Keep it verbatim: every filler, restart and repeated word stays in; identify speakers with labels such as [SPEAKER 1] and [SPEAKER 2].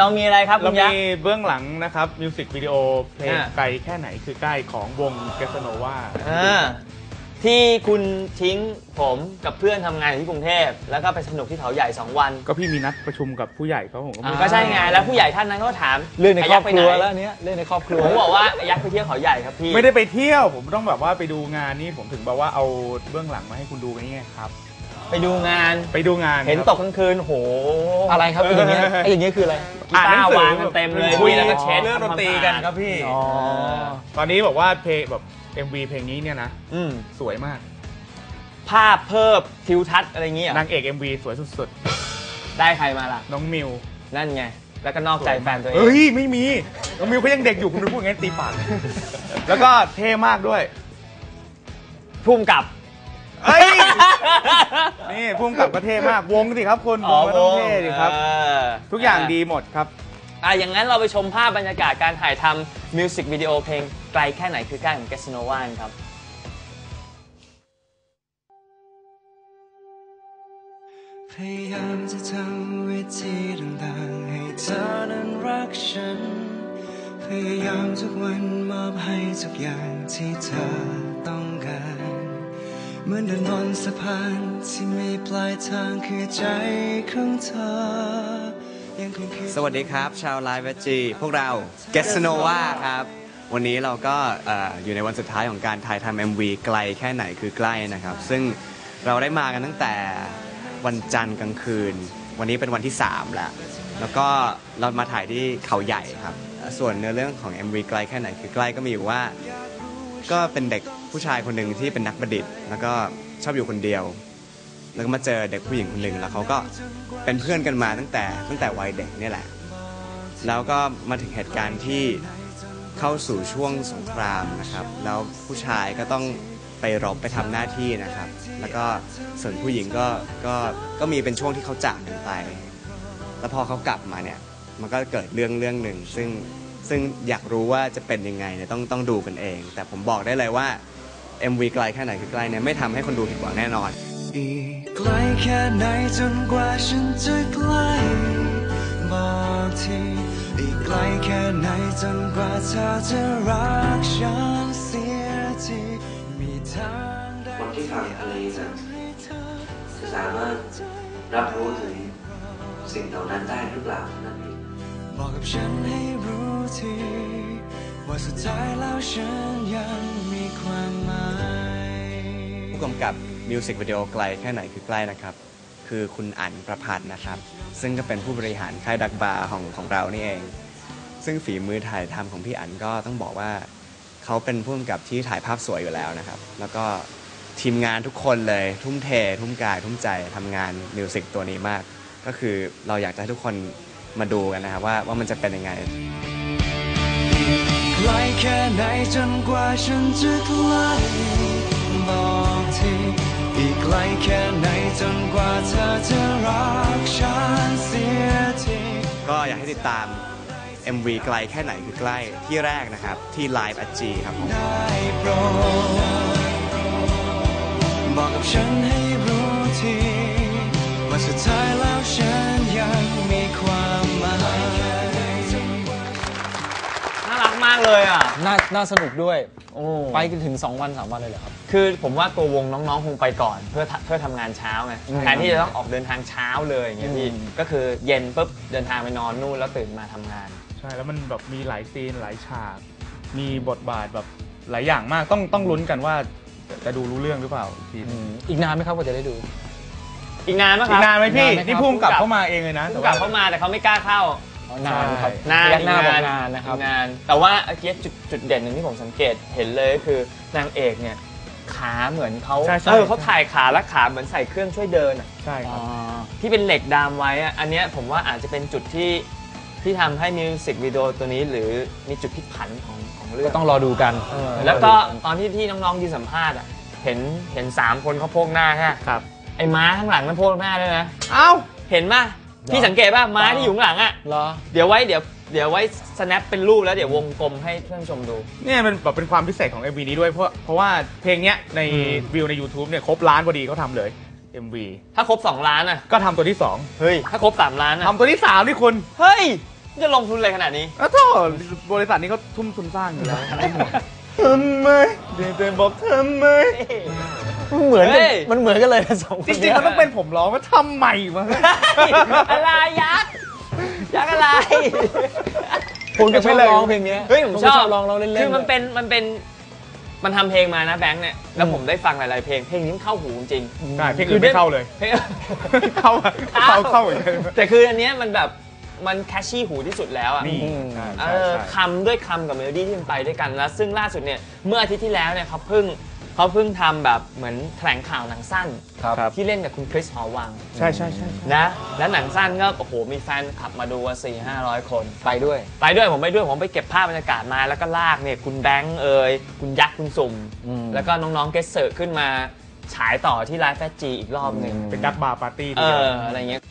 [SPEAKER 1] เรามีอะไรครับ
[SPEAKER 2] เรามีเบื้องหลังนะครับมิวสิกวิดีโอเพลงไกลแค่ไหนคือใกล้ของวงเกสโนวา
[SPEAKER 1] ที่คุณทิ้งผมกับเพื่อนทำงานอยู่ที่กรุงเทพแล้วก็ไปสนุกที่เขาใหญ่สองวัน
[SPEAKER 2] ก็พี่มีนัดประชุมกับผู้ใหญ่เขาผม
[SPEAKER 1] ก็ใช่ไงแล้วผู้ใหญ่ท่านนั้นก็ถาม
[SPEAKER 3] เรื่องในครอบครัวแล้วเนี้ยเรื่องในครอบครัว
[SPEAKER 1] ผมบอกว่ายักษ์ไปเที่ยวเขาใหญ่ครับพี่
[SPEAKER 2] ไม่ได้ไปเที่ยวผมต้องแบบว่าไปดูงานนี่ผมถึงบอกว่าเอาเบื้องหลังมาให้คุณดูกันนี่ครับ
[SPEAKER 1] ไปดูงาน
[SPEAKER 2] ไปดูงาน
[SPEAKER 1] เห็นตกกลางคืนโห
[SPEAKER 3] อะไรครับอย่างเงี้ยไอ้อย่างเงี้ยคืออะไร
[SPEAKER 1] กีตาร์วางกันเต็มเลย
[SPEAKER 2] คุยแล้วก็เช็ดเรื่องดนตรีกันครับพี่ตอนนี้บอกว่าเพลงแบบ เอ็ม วี เพลงนี้เนี่ยนะสวยมาก
[SPEAKER 1] ภาพเพิ่มทิวทัศน์อะไรเงี้ย
[SPEAKER 2] นางเอก เอ็ม วี สวยสุด
[SPEAKER 1] ๆได้ใครมาล่ะ
[SPEAKER 2] น้องมิว
[SPEAKER 1] นั่นไงแล้วก็นอกใจแฟนตัวเอง
[SPEAKER 2] เฮ้ยไม่มีน้องมิวเขายังเด็กอยู่คุณพูดงั้นตีปากแล้วก็เท่มากด้วย
[SPEAKER 1] พุ่มกับ
[SPEAKER 2] นี่พุ่มกับก็เท่มากวงสิครับคนวงก็ต้องเท่ดิครับทุกอย่างดีหมดครับ
[SPEAKER 1] อ่ะอย่างนั้นเราไปชมภาพบรรยากาศการถ่ายทำมิวสิกวิดีโอเพลงไกลแค่ไหนคือใกล้ของเกสโนวาครับ
[SPEAKER 4] พยายามจะทำวิธีต่างๆให้เธอนั้นรักฉันพยายามทุกวันมอบให้ทุกอย่างที่เธอต้องการเหมือนเดินบนสะพานที่มีปลายทางคือใจของเธอ
[SPEAKER 5] สวัสดีครับชาวไลฟ์เวจีพวกเราเกสโนวาครับวันนี้เราก็อยู่ในวันสุดท้ายของการถ่ายทำ เอ็ม วี ไกลแค่ไหนคือใกล้นะครับซึ่งเราได้มากันตั้งแต่วันจันทร์กลางคืนวันนี้เป็นวันที่สามแล้วแล้วก็เรามาถ่ายที่เขาใหญ่ครับส่วนเนื้อเรื่องของ เอ็ม วี ไกลแค่ไหนคือใกล้ก็มีอยู่ว่าก็เป็นเด็กผู้ชายคนหนึ่งที่เป็นนักประดิษฐ์แล้วก็ชอบอยู่คนเดียวแล้วก็มาเจอเด็กผู้หญิงคนหนึ่งแล้วเขาก็เป็นเพื่อนกันมาตั้งแต่ตั้งแต่วัยเด็กนี่แหละแล้วก็มาถึงเหตุการณ์ที่เข้าสู่ช่วงสงครามนะครับแล้วผู้ชายก็ต้องไปรบไปทำหน้าที่นะครับแล้วก็ส่วนผู้หญิงก็ก็ก็มีเป็นช่วงที่เขาจากกันไปแล้วพอเขากลับมาเนี่ยมันก็เกิดเรื่องเรื่องหนึ่งซึ่งซึ่งอยากรู้ว่าจะเป็นยังไงเนี่ยต้องต้องดูกันเองแต่ผมบอกได้เลยว่า เอ็ม วี ไกลแค่ไหนคือใกล้เนี่ยไม่ทำให้คนดูผิดหวังแน่นอน
[SPEAKER 4] อีกไกลแค่ไหนจนกว่าฉันจะใกล้บอกทีอีกไกลแค่ไหนจนกว่าเธอจะรักฉันเสียทีมีทาง
[SPEAKER 6] คนที่ฟังเพลงจะสามารถรับรู้ถึงสิ่งเหล่านั้นได้หรือเปล่านั่นเอง
[SPEAKER 4] บอกกับฉันให้รู้ทีว่าสุดท้ายแล้วฉันยังมีความหมาย
[SPEAKER 5] ผู้กำกับมิวสิกวิดีโอไกลแค่ไหนคือใกล้นะครับคือคุณอั๋นประภัสนะครับซึ่งก็เป็นผู้บริหารค่ายดักบาร์ของของเรานี่เองซึ่งฝีมือถ่ายทำของพี่อั๋นก็ต้องบอกว่าเขาเป็นผู้กำกับที่ถ่ายภาพสวยอยู่แล้วนะครับแล้วก็ทีมงานทุกคนเลยทุ่มเททุ่มกายทุ่มใจทำงานมิวสิกตัวนี้มากก็คือเราอยากจะให้ทุกคนมาดูกันนะครับว่าว่ามันจะเป็นยังไง
[SPEAKER 4] ไกลแค่ไหนจนกว่าฉันจะใกล้บอกทีอีกไกลแค่ไหนจนกว่าเธอจะรักฉันเสียที
[SPEAKER 5] ก็อยากให้ติดตาม เอ็ม วี ไกลแค่ไหนคือใกล้ที่แรกนะครับที่ Live แอท จี ครับผม
[SPEAKER 4] บอกกับฉันให้รู้ทีว่าสุดท้ายแล้วฉันยังมีความหมาย
[SPEAKER 1] น่ารักมากเลยอ่ะ
[SPEAKER 3] น่าน่าสนุกด้วยโอ้ไปกันถึงสองวันสามวันเลยเหรอครับ
[SPEAKER 1] คือผมว่าตัววงน้องๆคงไปก่อนเพื่อเพื่อทำงานเช้าไงแทนที่จะต้องออกเดินทางเช้าเลยอย่างเงี้ยพี่ก็คือเย็นปุ๊บเดินทางไปนอนนู่นแล้วตื่นมาทำงาน
[SPEAKER 2] ใช่แล้วมันแบบมีหลายซีนหลายฉากมีบทบาทแบบหลายอย่างมากต้องต้องลุ้นกันว่าจะดูรู้เรื่องหรือเปล่าที
[SPEAKER 3] อีกนานไหมครับกว่าจะได้ดู
[SPEAKER 1] อีกนานไหมครับ
[SPEAKER 2] อีกนานไหมพี่นี่พุ่งกลับเข้ามาเองเลยนะ
[SPEAKER 1] พุ่งกลับเข้ามาแต่เขาไม่กล้าเข้านานครับนาน
[SPEAKER 3] นานนานนะครับ
[SPEAKER 1] นานแต่ว่าเมื่อกี้จุดจุดเด่นหนึ่งที่ผมสังเกตเห็นเลยก็คือนางเอกเนี่ยขาเหมือนเขาเออเขาถ่ายขาและขาเหมือนใส่เครื่องช่วยเดินอ่ะ
[SPEAKER 2] ใช่ครับ
[SPEAKER 1] ที่เป็นเหล็กดามไว้อ่ะอันนี้ผมว่าอาจจะเป็นจุดที่ที่ทำให้มิวสิกวิดีโอตัวนี้หรือมีจุดพลิกผันของของเรื่อง
[SPEAKER 3] ก็ต้องรอดูกัน
[SPEAKER 1] แล้วก็ตอนที่ที่น้องๆยืนสัมภาษณ์อ่ะเห็นเห็นสามคนเขาโพกหน้าใช่ไหม
[SPEAKER 2] ครับ
[SPEAKER 1] ไอ้ม้าข้างหลังมันโพกหน้าด้วยนะ
[SPEAKER 2] เอ้า
[SPEAKER 1] เห็นป่ะพี่สังเกตป่ะม้าที่อยู่ข้างหลังอ่ะเดี๋ยวไว้เดี๋ยวเดี๋ยวไว้ snap เป็นรูปแล้วเดี๋ยววงกลมให้เพื่อนชมดู
[SPEAKER 2] เนี่ยมันแบบเป็นความพิเศษของ เอ็ม วี นี้ด้วยเพราะเพราะว่าเพลงเนี้ยในวิวใน YouTube เนี่ยครบล้านพอดีเขาทำเลย เอ็ม วี
[SPEAKER 1] ถ้าครบสองล้านอ่ะ
[SPEAKER 2] ก็ทำตัวที่สอง
[SPEAKER 1] เฮ้ยถ้าครบสามล้านอ่ะ
[SPEAKER 2] ทำตัวที่สามนี่คุณ
[SPEAKER 1] เฮ้ยจะลงทุนอะไรขนาดนี้
[SPEAKER 2] อ้าวโธ่บริษัทนี้เขาทุ่มทุนสร้างอยู่แล้วไม่ห่วงทำไมเดี๋ยวจะบอกทำไม
[SPEAKER 3] มันเหมือนกัน
[SPEAKER 1] เฮ้ย
[SPEAKER 3] มันเหมือนกันเลยนะสองคน
[SPEAKER 2] จริงๆเขาต้องเป็นผมร้องว่าทำไมวะ
[SPEAKER 1] อะไรยักษ์ยักษ์อะไร
[SPEAKER 3] ผมก็ชอบร้องเพลงนี้
[SPEAKER 1] เฮ้ยผมชอบ
[SPEAKER 3] ร้องร้องเล่นๆ
[SPEAKER 1] คือมัน
[SPEAKER 3] เลย
[SPEAKER 1] เป็นมันเป็นมันทำเพลงมานะแบงค์เนี่ยแล้วผมได้ฟังหลายๆเพลงเพลงนี้มันเข้าหูจริง
[SPEAKER 2] ใช่เพลงอื่นไม่เข้าเลย
[SPEAKER 1] เพลง
[SPEAKER 2] เข้าเข้าเข้าเหมือนกัน
[SPEAKER 1] แต่คืออันเนี้ยมันแบบมันแคชชี่หูที่สุดแล้วอ่ะ
[SPEAKER 2] นี่
[SPEAKER 3] ใช่
[SPEAKER 1] เอ
[SPEAKER 2] ใช่
[SPEAKER 1] อ
[SPEAKER 2] ใช่
[SPEAKER 1] คำด้วยคำกับเมโลดี้ที่มันไปด้วยกันแล้วซึ่งล่าสุดเนี่ยเมื่ออาทิตย์ที่แล้วเนี่ยเขาเพิ่งเขาเพิ่งทำแบบเหมือนแถลงข่าวหนังสั้น
[SPEAKER 3] ครับ
[SPEAKER 1] ที่เล่นกับคุณคริสหอวัง
[SPEAKER 2] ใช่ใช่ใช่
[SPEAKER 1] นะแล้วหนังสั้นก็โอ้โหมีแฟนขับมาดูสี่ห้าร้อยคน
[SPEAKER 3] ไปด้วย
[SPEAKER 1] ไปด้วยผมไปด้วยผมไปเก็บภาพบรรยากาศมาแล้วก็ลากเนี่ยคุณแบงค์เอ่ยคุณยักษ์คุณสุ่ม
[SPEAKER 3] อืม
[SPEAKER 1] แล้วก็น้องๆเกสเซอร์ขึ้นมาฉายต่อที่ไลฟ์แฟจีอีกรอบหนึ่ง
[SPEAKER 2] เป็นดักบาร์ปาร์ตี้
[SPEAKER 1] เอออะไรเงี้ย